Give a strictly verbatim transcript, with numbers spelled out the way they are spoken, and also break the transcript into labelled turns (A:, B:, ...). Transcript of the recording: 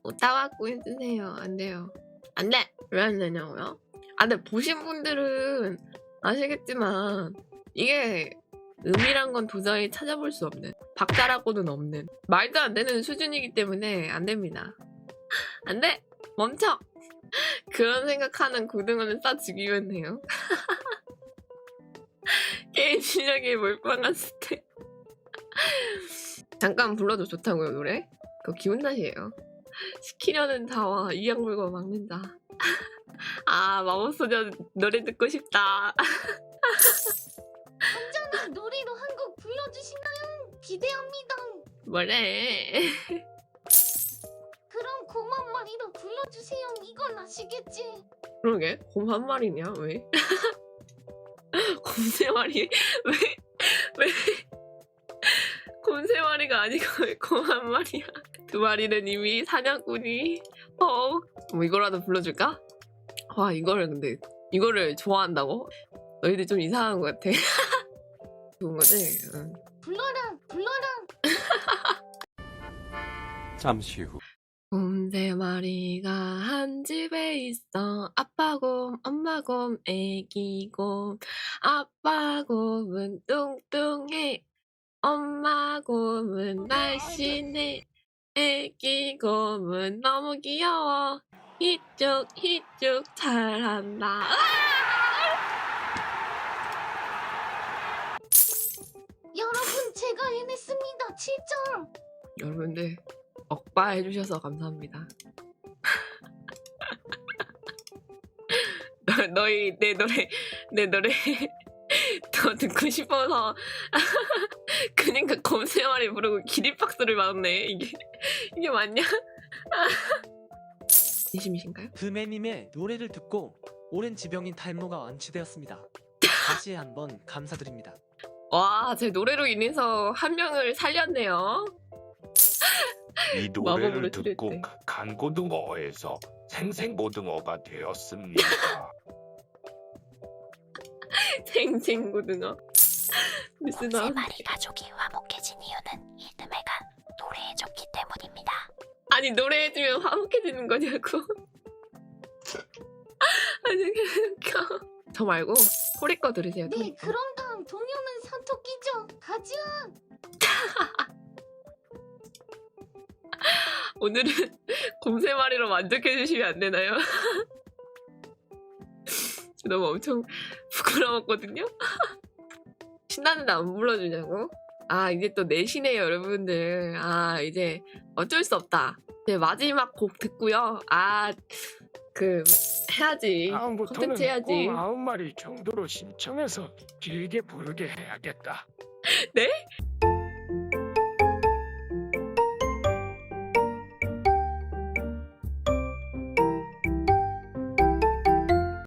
A: 오타와꾸 해주세요. 안 돼요. 안 돼! 왜 안 되냐고요? 아, 근데 보신 분들은 아시겠지만 이게 음이란 건 도저히 찾아볼 수 없는, 박자라고는 없는, 말도 안 되는 수준이기 때문에 안 됩니다. 안 돼! 멈춰! 그런 생각하는 고등어는 싸 죽이면 해요. 게임 실력이 몰빵한 스텝. 잠깐 불러도 좋다고요, 노래? 그거 기분 탓이에요. 시키려는 자와 이악물고 막는다. 아, 마법소녀 노래 듣고 싶다.
B: 언제나 노래로 한 곡 불러주시나요? 기대합니다.
A: 뭐래?
B: 그럼 고만 마리로 불러주세요. 이건 아시겠지?
A: 그러게, 곰 한 마리냐? 왜? 곰 세 마리? 왜? 왜? 곰 세 마리가 아니고 왜 곰 한 마리야? 두 마리는 이미 사냥꾼이. 어? 뭐 이거라도 불러줄까? 와, 이거를 근데 이거를 좋아한다고? 너희들 좀 이상한 것 같아. 좋은 거지? 응.
B: 불러라, 불러라.
C: 잠시 후.
A: 곰 세 마리가 한 집에 있어. 아빠 곰, 엄마 곰, 애기 곰. 아빠 곰은 뚱뚱해. 엄마 곰은 날씬해. 애기 곰은 너무 귀여워. 이쪽 이쪽 잘한다.
B: 여러분, 제가 해냈습니다. 칠 점.
A: 여러분들 억바 해주셔서 감사합니다. 너, 너희 내 노래 내 노래 더 듣고 싶어서 그니까 검색어리 부르고 기립박수를 맞네. 이게 이게 맞냐? 진심이신가요?
D: 금해님의 노래를 듣고 오랜 지병인 탈모가 완치되었습니다. 다시 한번 감사드립니다.
A: 와, 제 노래로 인해서 한 명을 살렸네요.
E: 이
A: 마법으로
E: 노래를 듣고
A: 찌를 때.
E: 간고등어에서 생생고등어가 되었습니다.
A: 생생고등어. 무슨
B: 세
A: 나
B: 마리 가족이 화목해진 이유는 이듬해가 노래해줬기 때문입니다.
A: 아니 노래해주면 화목해지는 거냐고. 아니 웃겨. 저 말고 코리 거 들으세요.
B: 네,
A: 코리 거.
B: 그럼 다음 동요는 사토끼죠. 가자.
A: 오늘은 곰세 마리로 만족해 주시면 안 되나요? 너무 엄청 부끄러웠거든요. 신나는데 안 불러주냐고? 아, 이제 또 내시네요, 여러분들. 아, 이제 어쩔 수 없다. 이제 마지막 곡 듣고요. 아, 그 해야지.
F: 다음부터는
A: 콘텐츠 해야지.
F: 꼭 아홉 마리 정도로 신청해서 길게 부르게 해야겠다.
A: 네?